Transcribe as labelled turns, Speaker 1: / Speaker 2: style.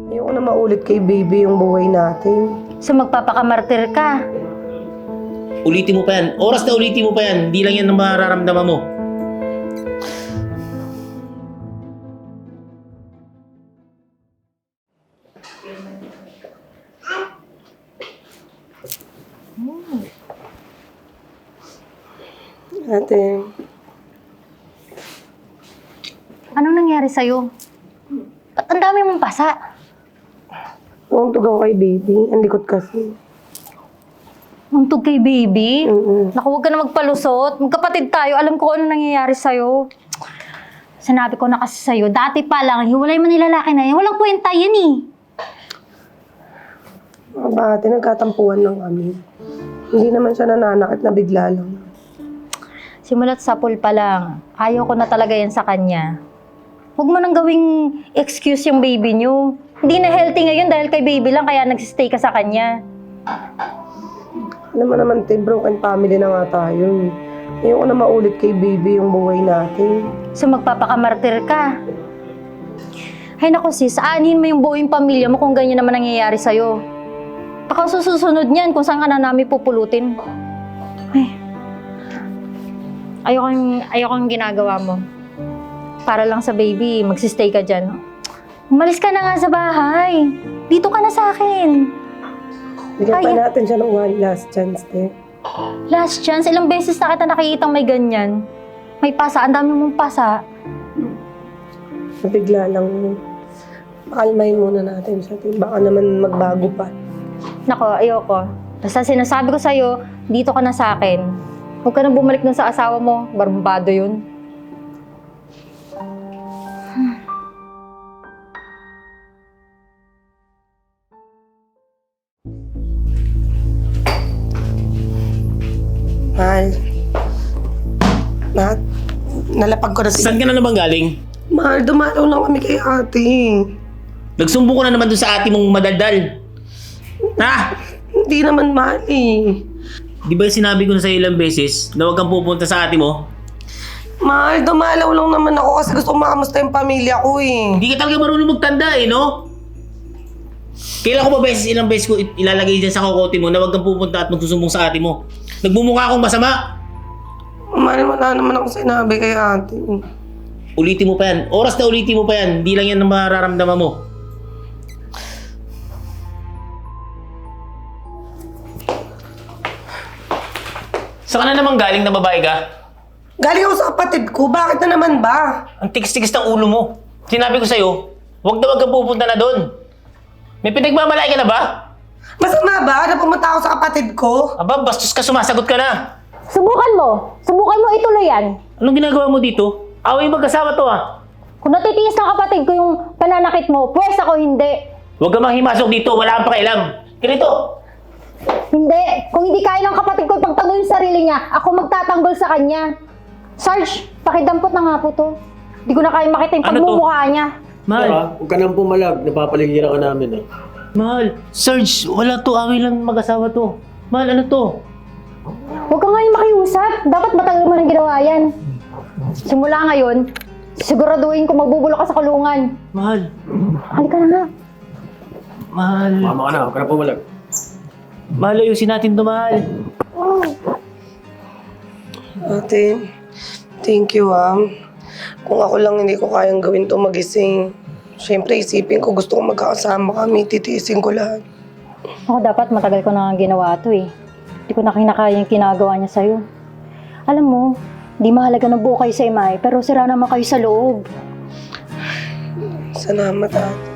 Speaker 1: Ayoko na maulit kay baby yung buhay natin.
Speaker 2: So magpapakamartir ka.
Speaker 3: Ulitin mo pa yan. Oras na ulitin mo pa yan. Hindi lang yan ang mararamdaman mo.
Speaker 1: Ate,
Speaker 2: Anong nangyari sa'yo? Ba't ang dami mong pasa?
Speaker 1: untog ako kay baby. Ang likot kasi.
Speaker 2: Untog kay baby?
Speaker 1: Mm-mm.
Speaker 2: Naku, huwag ka na magpalusot. Magkapatid tayo. Alam ko ano nangyayari sa'yo. Sinabi ko na kasi sa'yo, dati pa lang, hiwalay man nilalaki na yan. Walang kwenta yan eh.
Speaker 1: Ate, nagkatampuhan lang kami. Hindi naman siya nananakit na bigla lang.
Speaker 2: Simulat sa pool pa lang, ayaw ko na talaga yan sa kanya. Huwag mo nang gawing excuse yung baby niyo. Hindi na healthy ngayon dahil kay baby lang kaya nagsistay ka sa kanya.
Speaker 1: Alam mo naman, te, broken family na nga tayo. Ayoko na maulit kay baby yung buhay natin.
Speaker 2: So magpapakamartir ka. Hay naku sis, aanin mo yung buong pamilya mo kung ganyan naman nangyayari sa'yo. Baka susunod niyan kung saan ka na namin pupulutin. Ay, ayokong ginagawa mo. Para lang sa baby, magsistay ka dyan. Umalis ka na nga sa bahay. Dito ka na sa akin.
Speaker 1: Bigyan pa
Speaker 2: Ay.
Speaker 1: natin siya ng one last chance, te.
Speaker 2: Last chance, ilang beses na kita nakikitang may ganyan. May pasa, ang dami mong pasa.
Speaker 1: Bigla lang. Pakalmahin muna natin siya, te. Baka naman magbago pa.
Speaker 2: Nako, ayoko. Basta sinasabi ko sa'yo, dito ka na sa akin. Huwag ka nang bumalik dun sa asawa mo. Barbado yun.
Speaker 1: Mahal. Nalapag ko na si...
Speaker 3: Saan ka na naman galing?
Speaker 1: Mahal, dumalaw lang kami kay ate.
Speaker 3: Nagsumbo ka na naman doon sa ate mong madaldal. Ha?
Speaker 1: Hindi naman mahal eh.
Speaker 3: Di ba sinabi ko na sa'yo ilang beses na huwag kang pupunta sa ate mo?
Speaker 1: Mahal, dumalaw lang naman ako kasi gusto ko makamusta yung pamilya ko eh.
Speaker 3: Hindi ka talaga marunong magtanda eh, no? Kailan ko ba ilang beses ko ilalagay dyan sa kokote mo na huwag kang pupunta at magsusumbong sa ate mo? Nagmumukha akong masama.
Speaker 1: Mahal, wala naman ako sinabi kay ate.
Speaker 3: Ulitin mo pa yan. Oras na ulitin mo pa yan. Hindi lang yan ang mararamdaman mo. Saan ka na naman galing na babae ka?
Speaker 1: Galing ako sa kapatid ko, bakit na naman ba?
Speaker 3: Ang tigas-tigas ng ulo mo. Sinabi ko sa'yo, huwag kang pupunta na doon. May pinagmamalaki ka na ba?
Speaker 1: Masama ba na pumunta ako sa kapatid ko?
Speaker 3: Aba, bastos ka, sumasagot ka na.
Speaker 2: Subukan mo ituloy yan.
Speaker 3: Anong ginagawa mo dito? Away magkasama to ah.
Speaker 2: Kung natitiis ng kapatid ko yung pananakit mo, pwes ako hindi.
Speaker 3: Huwag ka manghimasok dito, wala kang pakialam. Ganito.
Speaker 2: Hindi. Kung hindi kaya ng kapatid ko ipagtanggol yung sarili niya, ako magtatanggol sa kanya. Sarge, pakidampot na nga po to. Hindi ko na kaya makita yung
Speaker 3: Ano to?
Speaker 2: pagmumukha niya.
Speaker 3: Mahal,
Speaker 4: Huwag ka nang pumalag, napapaligiran ka namin
Speaker 3: mahal. Sarge, wala to, away lang mag-asawa to. Mahal, ano to?
Speaker 2: Huwag ka nga yung makiusap. Dapat matagal mo nang ginawa yan. Simula ngayon, siguraduhin ko magbubulok ka sa kulungan.
Speaker 3: Mahal,
Speaker 2: Halika na nga.
Speaker 3: mahal.
Speaker 4: Mama ka na, huwag ka nang pumalag.
Speaker 3: Mahal, ayusin natin to, mahal.
Speaker 1: Ate, thank you ah. Kung ako lang hindi ko kayang gawin to magising. Siyempre isipin ko gusto ko magkakasama kami, titiisin ko lahat.
Speaker 2: Ako dapat matagal ko na nga ginawa to eh. Hindi ko na kinakaya yung ginagawa niya sa'yo. Alam mo, di mahalaga na buo kayo sa imay, pero sira naman kayo sa loob.
Speaker 1: Salamat ate.